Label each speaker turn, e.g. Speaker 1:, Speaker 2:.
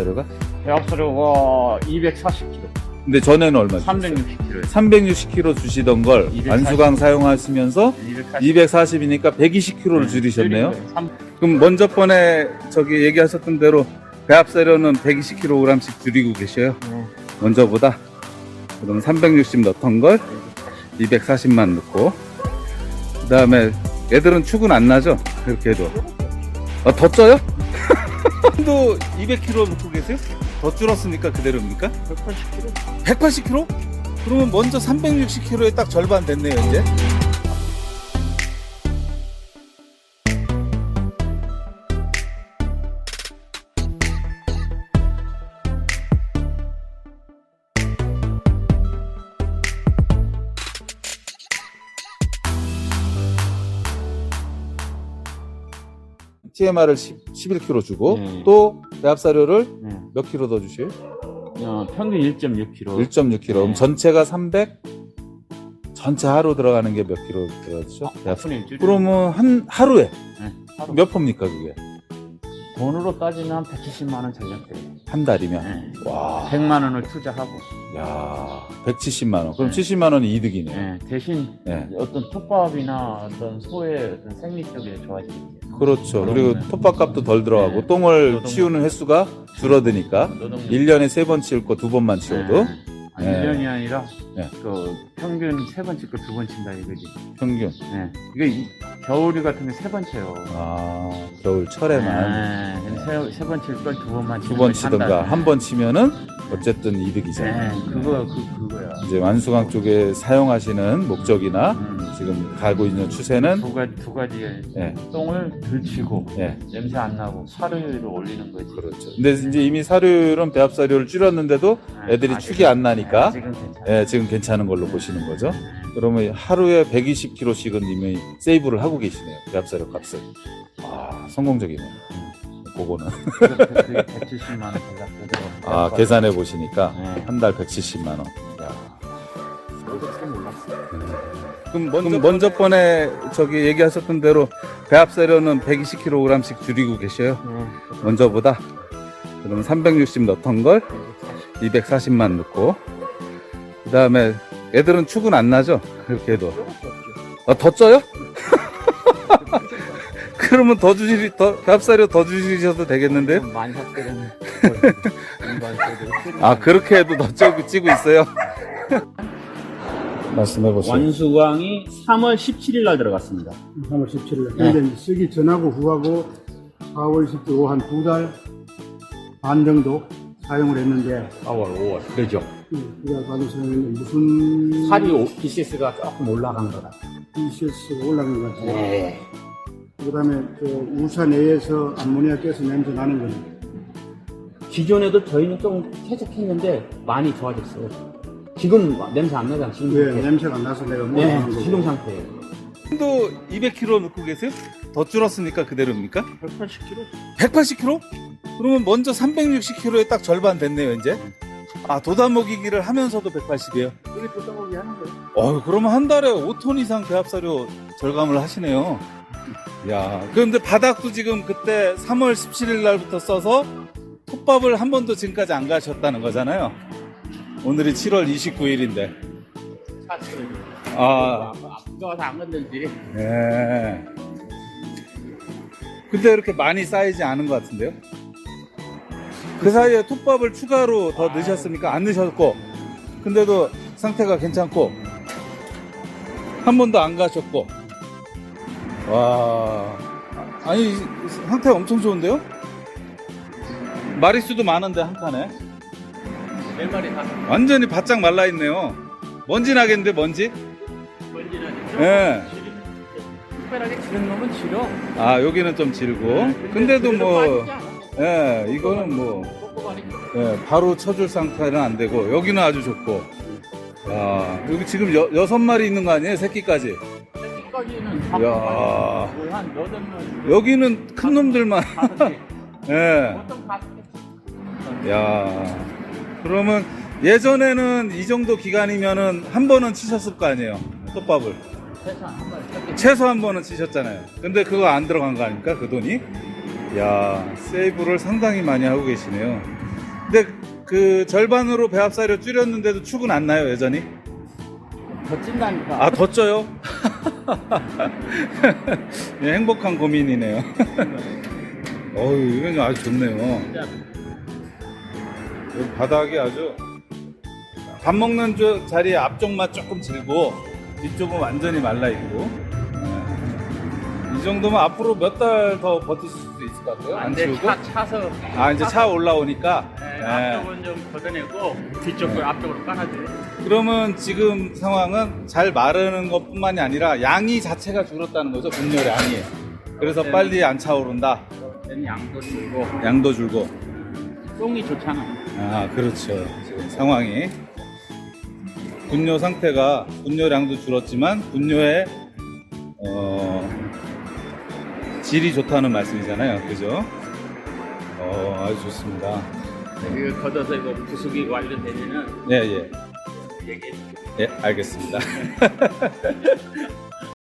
Speaker 1: 배합사료가?
Speaker 2: 배합사료가 240kg,
Speaker 1: 근데 전에는 얼마 주셨어요?
Speaker 2: 360kg.
Speaker 1: 360kg 주시던 걸
Speaker 2: 240.
Speaker 1: 완수강 사용하시면서 240이니까 120kg를 줄이셨네요. 그럼 먼저 번에 저기 얘기하셨던 대로 배합사료는 120kg씩 줄이고 계셔요. 먼저보다. 그럼 360 넣던 걸 240만 넣고, 그 다음에 애들은 축은 안 나죠? 그렇게 해도. 더 쪄요? 또 200kg 넣고 계세요? 더 줄었으니까 그대로입니까?
Speaker 2: 180kg.
Speaker 1: 180kg? 그러면 먼저 360kg에 딱 절반 됐네요, 이제. TMR을 11kg 주고, 또 배합사료를 몇 킬로 더 주세요?
Speaker 2: 평균 1.6kg.
Speaker 1: 1.6kg. 그럼 전체가 300? 전체 하루 들어가는 게 몇 킬로 들어가죠? 그러면 하루에
Speaker 2: 하루.
Speaker 1: 몇 포입니까, 그게?
Speaker 2: 돈으로 따지면 170만 원 전략돼요.
Speaker 1: 한 달이면? 와.
Speaker 2: 100만 원을 투자하고.
Speaker 1: 야, 170만 원. 그럼 70만 원이 이득이네.
Speaker 2: 대신 어떤 톱밥이나 어떤 소의 어떤 생리 쪽에 좋아지겠죠.
Speaker 1: 그렇죠. 그리고 톱밥값도 덜 들어가고 똥을 치우는 횟수가 줄어드니까 1년에 3번 치울 거 2번만 치워도
Speaker 2: 1년이 아니라 그 평균 3번 찍고 2번 친다 이거지.
Speaker 1: 평균.
Speaker 2: 이게 겨울이 같은 게 3번 쳐요.
Speaker 1: 아, 겨울철에만
Speaker 2: 3번 칠 걸 2번만
Speaker 1: 2번 치던가 한 번 치면은 어쨌든 이득이잖아요.
Speaker 2: 그거야.
Speaker 1: 이제 완수강 쪽에 사용하시는 목적이나 지금 가고 있는 추세는
Speaker 2: 두 가지의 똥을 덜 치고 냄새 안 나고 사료율을 올리는 거지.
Speaker 1: 그렇죠. 근데 이제 이미 사료율은 배합사료를 줄였는데도 애들이 축이 안 나니까 지금 괜찮은 걸로 보시는 거죠. 그러면 하루에 120kg씩은 이미 세이브를 하고 계시네요. 배합사료 값을. 아, 성공적이네요. 그거는.
Speaker 2: 그게 170만 원 생각되더라고요.
Speaker 1: 아, 계산해 보시니까 한 달 170만 원. 야. 그럼 먼저 번에 저기 얘기하셨던 대로 배합사료는 120kg씩 줄이고 계셔요. 먼저보다. 그럼 360 넣던 걸 240만 넣고, 그 다음에 애들은 축은 안 나죠? 그렇게 해도. 더 쪄요? 그러면 배합사료 더 주시셔도 되겠는데요?
Speaker 2: 많이 샀거든요.
Speaker 1: 아, 그렇게 해도 더 찌고 있어요? 말씀해보세요.
Speaker 2: 완수강이 3월 17일 날 들어갔습니다.
Speaker 3: 3월 17일. 근데 이제 쓰기 전하고 후하고 4월 10일 한 2달 반 정도 사용을 했는데
Speaker 2: 4월, 5월. 그러죠.
Speaker 3: 우리가 받은 사용은 무슨
Speaker 2: 살이 BCS가 조금 올라간 거다.
Speaker 3: BCS가 올라간 것 같아요. 그 다음에 우사 내에서 암모니아 가스 냄새 나는 거는
Speaker 2: 기존에도 저희는 좀 쾌적했는데 많이 좋아졌어요. 지금 냄새 안 나잖아. 지금
Speaker 3: 냄새가 안 나서 내가 못 하는 거고.
Speaker 2: 지금 상태예요.
Speaker 1: 또 200kg 넣고 계세요? 더 줄었으니까 그대로입니까?
Speaker 2: 180kg.
Speaker 1: 180kg? 그러면 먼저 360kg에 딱 절반 됐네요, 이제. 아, 도다먹이기를 하면서도 180이에요.
Speaker 2: 그게 도다먹이 하는 거예요.
Speaker 1: 그러면 한 달에 5톤 이상 배합사료 절감을 하시네요. 야, 그런데 바닥도 지금 그때 3월 17일 날부터 써서 톱밥을 한 번도 지금까지 안 가셨다는 거잖아요. 오늘이 7월 29일인데.
Speaker 2: 무거워서 안 건들지.
Speaker 1: 근데 이렇게 많이 쌓이지 않은 것 같은데요? 그 사이에 톱밥을 추가로 더 넣으셨습니까? 안 넣으셨고, 근데도 상태가 괜찮고, 한 번도 안 가셨고. 와, 아니, 상태가 엄청 좋은데요? 마리수도 많은데, 한 칸에.
Speaker 2: 4마리 다.
Speaker 1: 완전히 바짝 말라있네요. 먼지 나겠는데, 먼지?
Speaker 2: 먼지 나죠?
Speaker 1: 예.
Speaker 2: 특별하게 지른 놈은 지려.
Speaker 1: 아, 여기는 좀 지르고. 근데도 뭐, 이거는 뭐, 바로 쳐줄 상태는 안 되고, 여기는 아주 좋고. 야, 여기 지금 6마리 있는 거 아니에요? 새끼까지.
Speaker 2: 새끼까지는
Speaker 1: 야,
Speaker 2: 한 8마리.
Speaker 1: 여기는 큰 놈들만. 예.
Speaker 2: 보통 5개.
Speaker 1: 야, 그러면 예전에는 이 정도 기간이면은 한 번은 치셨을 거 아니에요? 톱밥을. 최소 한 번은 치셨잖아요. 근데 그거 안 들어간 거 아닙니까? 그 돈이? 야, 세이브를 상당히 많이 하고 계시네요. 근데 그 절반으로 배합사료 줄였는데도 축은 안 나요, 여전히?
Speaker 2: 더 찐다니까.
Speaker 1: 아, 더 쪄요? 예, 행복한 고민이네요. 어우, 이건 아주 좋네요.
Speaker 2: 진짜
Speaker 1: 여기 바닥이 아주 밥 먹는 자리에 앞쪽만 조금 질고 뒤쪽은 완전히 말라있고. 예. 이 정도면 앞으로 몇 달 더 버티실 수 있을 것 같아요? 안
Speaker 2: 안돼
Speaker 1: 치우고?
Speaker 2: 차서.
Speaker 1: 아, 이제 차 올라오니까.
Speaker 2: 네,
Speaker 1: 예.
Speaker 2: 앞쪽은 좀 걷어내고 뒤쪽을 앞쪽으로 깔아줘요.
Speaker 1: 그러면 지금 상황은 잘 마르는 것 뿐만이 아니라 양이 자체가 줄었다는 거죠, 분열량이. 그래서 빨리 안 차오른다.
Speaker 2: 얘는 양도 줄고
Speaker 1: 양도 줄고.
Speaker 2: 똥이 좋잖아.
Speaker 1: 아, 그렇죠. 지금 상황이. 분뇨 상태가, 분뇨량도 줄었지만, 분뇨의, 질이 좋다는 말씀이잖아요. 그죠? 아주 좋습니다.
Speaker 2: 이거 걷어서 이거 부수기 완료되면은
Speaker 1: 예, 예.
Speaker 2: 얘기해.
Speaker 1: 예, 알겠습니다.